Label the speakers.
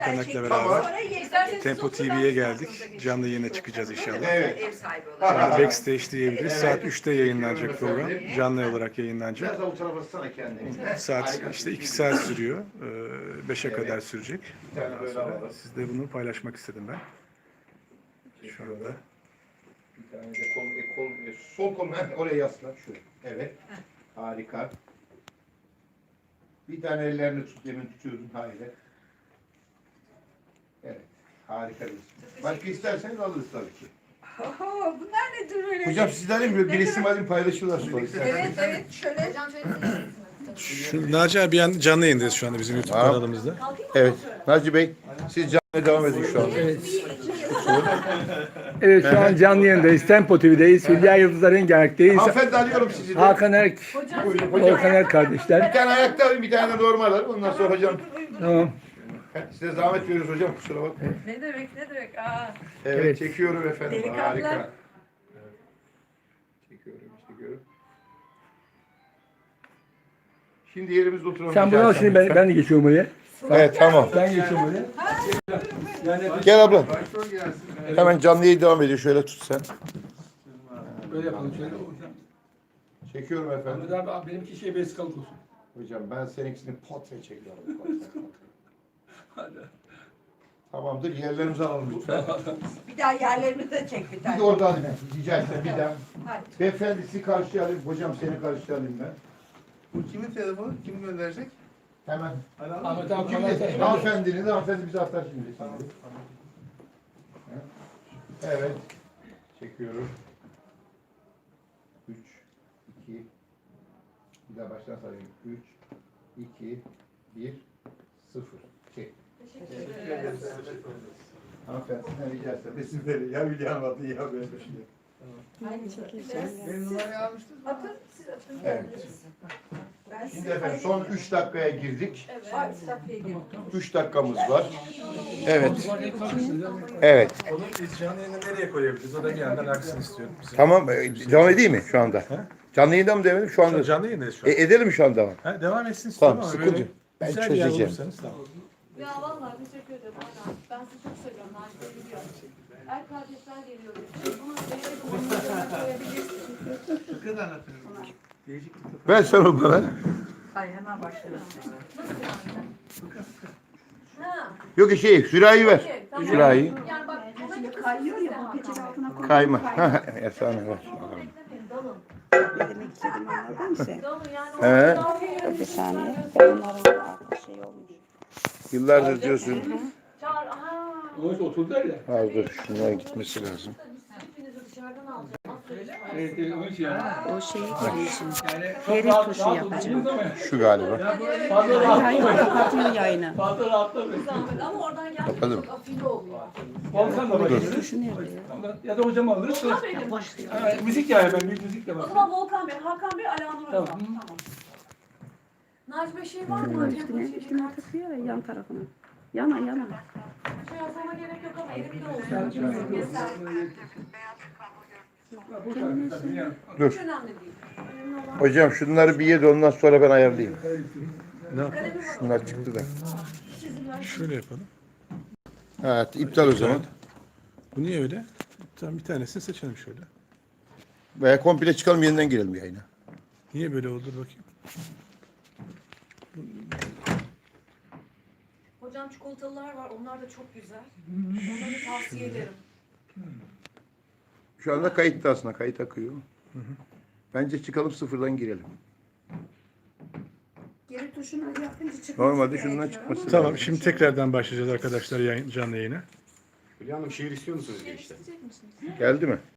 Speaker 1: Kanak'la beraber Tempo TV'ye geldik. Canlı yayına çıkacağız inşallah.
Speaker 2: Evet.
Speaker 1: Yani backstage diyebiliriz. Saat 3'te yayınlanacak program. Canlı olarak yayınlanacak.
Speaker 2: Biraz avuç bassana kendini.
Speaker 1: Saat işte 2 saat sürüyor. 5'e kadar sürecek.
Speaker 2: Bir tane
Speaker 1: Ondan
Speaker 2: böyle
Speaker 1: sonra
Speaker 2: alalım.
Speaker 1: sizle bunu paylaşmak istedim ben. Şu anda.
Speaker 2: Bir tane de sol kol oraya yasla. Şu. Evet. Harika. Bir tane ellerini tut. Demin tutuyordun. Hayır. Evet. Harika bir isim. Başka isterseniz alırız tabii ki.
Speaker 3: Oho, bunlar nedir böyle?
Speaker 2: Hocam sizden mi? Bir isim alayım paylaşıyorlar sürekli.
Speaker 3: Evet evet şöyle.
Speaker 1: Şu Naci abi canlı yayındayız şu anda bizim YouTube kanalımızda.
Speaker 2: Evet. Naci Bey siz canlıya devam edin şu anda.
Speaker 4: Evet şu an canlı yayındayız. Tempo TV'deyiz. Hülya Yıldızlar Rengarenk'teyiz.
Speaker 2: Hanımefendi alıyorum sizi de.
Speaker 4: Hakan Erk,
Speaker 2: Buyurun hocam.
Speaker 4: Volkan Erk kardeşler.
Speaker 2: Bir tane ayakta alayım, bir tane de normal alayım. Ondan sonra hocam.
Speaker 4: Tamam.
Speaker 2: Size zahmet veriyoruz hocam. Kusura bakmayın.
Speaker 3: Ne demek ne demek? Aa.
Speaker 2: Evet,
Speaker 4: Evet.
Speaker 2: çekiyorum efendim.
Speaker 3: Delikanlı.
Speaker 2: Harika. Çekiyorum. Şimdi yerimizde oturalım.
Speaker 4: Sen bunu al şimdi ben de geçiyorum oraya.
Speaker 2: Evet tamam.
Speaker 4: Ben geçiyorum oraya.
Speaker 2: Gel abla. Hemen canlı yayın devam ediyor. Şöyle tut sen.
Speaker 4: Böyle yapalım şöyle.
Speaker 2: Çekiyorum efendim.
Speaker 4: Abi benimki şey vesikalık olsun.
Speaker 2: Hocam ben seninkisini portre çekiyorum. Tamamdır. Yerlerimizi alalım lütfen.
Speaker 3: Bir daha yerlerimi de çek bir
Speaker 2: Bir
Speaker 3: tane.
Speaker 2: de orada alayım. Rica etsem bir daha.
Speaker 3: Hadi.
Speaker 2: Beyefendi sizi karşıya alayım. Hocam seni karşıya alayım ben.
Speaker 5: Bu kimin telefonu? Kim gönderecek?
Speaker 2: Hemen.
Speaker 4: Ahmet abi
Speaker 2: Şimdi hanımefendinin de hanımefendi bize atar şimdi. Evet. Çekiyorum. 3, 2, bir daha baştan sayayım. 3, 2, 1, 0. Çek. Hanımefendi sizden rica etsem. Resim verin. Ya Hülya Hanım atın ya böyle bir şey.
Speaker 5: Benim numarayı almıştınız mı?
Speaker 3: Atın siz atın.
Speaker 2: Evet.
Speaker 3: Ben
Speaker 2: Şimdi efendim son 3 dakikaya girdik.
Speaker 3: Ay, safiye girdim.
Speaker 2: 3 dakikamız var. Evet. Evet.
Speaker 1: Onu biz canlı yayını nereye koyabiliriz? O da bir yandan aksın istiyorum.
Speaker 2: Tamam. Devam edeyim mi şu anda? Canlı yayında mı demedim? Şu anda.
Speaker 1: Canlı yayındayız şu an.
Speaker 2: Edelim mi şu anda?
Speaker 1: Ha, devam etsin istiyorum
Speaker 2: Tamam,
Speaker 1: ama
Speaker 2: sıkıntı
Speaker 1: böyle
Speaker 2: yok. Ben
Speaker 1: güzel bir yer
Speaker 2: çözeceğim.
Speaker 1: bulursanız tamam.
Speaker 6: Ya vallahi teşekkür ederim. Aynen. Ben sizi çok seviyorum. Naciye biliyor. Er kardeşler geliyor. Ama böyle koyabilirsiniz.
Speaker 5: Fıkıh da anlatıyorum.
Speaker 2: Ver sen o bana.
Speaker 3: Ay hemen başlayalım.
Speaker 6: Ha.
Speaker 2: Yok sürahi ver.
Speaker 6: Okey, tamam.
Speaker 2: Sürahi.
Speaker 6: Yani bak ona
Speaker 3: Şimdi
Speaker 6: göre
Speaker 3: kayıyor ya bu peçete altına koy.
Speaker 2: Kayma. Efsane ver.
Speaker 6: dalın.
Speaker 7: Ne demek istediğimi anladın mı sen?
Speaker 6: Dalın yani.
Speaker 2: He.
Speaker 7: Bir saniye. Ben onların aklı şey olmuş.
Speaker 2: Yıllardır diyorsun.
Speaker 6: Çağır. Aha.
Speaker 4: Oğuz oturdular ya.
Speaker 2: Az dur şunlara gitmesi lazım.
Speaker 6: Hepinizi dışarıdan alacağım. Aferin.
Speaker 4: Evet, onun için yani.
Speaker 7: O şeyi gelişim.
Speaker 4: Yani
Speaker 7: Ferit tuşu yapacağım.
Speaker 2: Şu galiba.
Speaker 4: Fazla
Speaker 7: Hayır
Speaker 4: rahatlamayın.
Speaker 7: kapatayım yayını.
Speaker 4: Fazla rahatlamayın.
Speaker 6: Zahmet. Ama oradan gelmek
Speaker 2: Kapadım.
Speaker 6: çok afili oluyor.
Speaker 4: Volkan da başlıyor.
Speaker 7: Tuşu nerede ya?
Speaker 4: Ya da hocam alırız.
Speaker 6: Volkan Bey mi?
Speaker 4: Ha, müzik yani ben bir müzik de
Speaker 6: O
Speaker 4: var.
Speaker 6: zaman Volkan Bey, Hakan Bey, Alanur Hocam.
Speaker 4: Tamam.
Speaker 6: Tamam. Naci Bey şey var mı?
Speaker 7: Üstüne takıyor ya yan tarafına. Yana.
Speaker 6: Şey yazmama gerek yok ama elimde olsun. Yeter.
Speaker 2: Dur.
Speaker 6: Hiç önemli değil. Önemli olan
Speaker 2: Hocam şunları bir ye de ondan sonra ben ayarlayayım.
Speaker 1: Ne yapalım?
Speaker 6: kalemi var.
Speaker 2: Şunlar çıktı da.
Speaker 1: Şöyle yapalım.
Speaker 2: Evet iptal o zaman.
Speaker 1: Bu niye öyle? Tamam bir tanesini seçelim şöyle.
Speaker 2: Veya komple çıkalım yeniden girelim yayına.
Speaker 1: Niye böyle oldu bakayım.
Speaker 6: Hocam çikolatalılar var. Onlar da çok güzel. Onları tavsiye ederim.
Speaker 2: Şu anda kayıtta aslında. Kayıt akıyor. Bence çıkalım sıfırdan girelim.
Speaker 3: Geri tuşuna yapınca çıkmış.
Speaker 2: Normalde şundan çıkması
Speaker 1: Tamam
Speaker 2: lazım.
Speaker 1: şimdi tekrardan başlayacağız arkadaşlar canlı yayına.
Speaker 8: Hülya Hanım şiir istiyor musunuz işte?
Speaker 2: Geldi mi?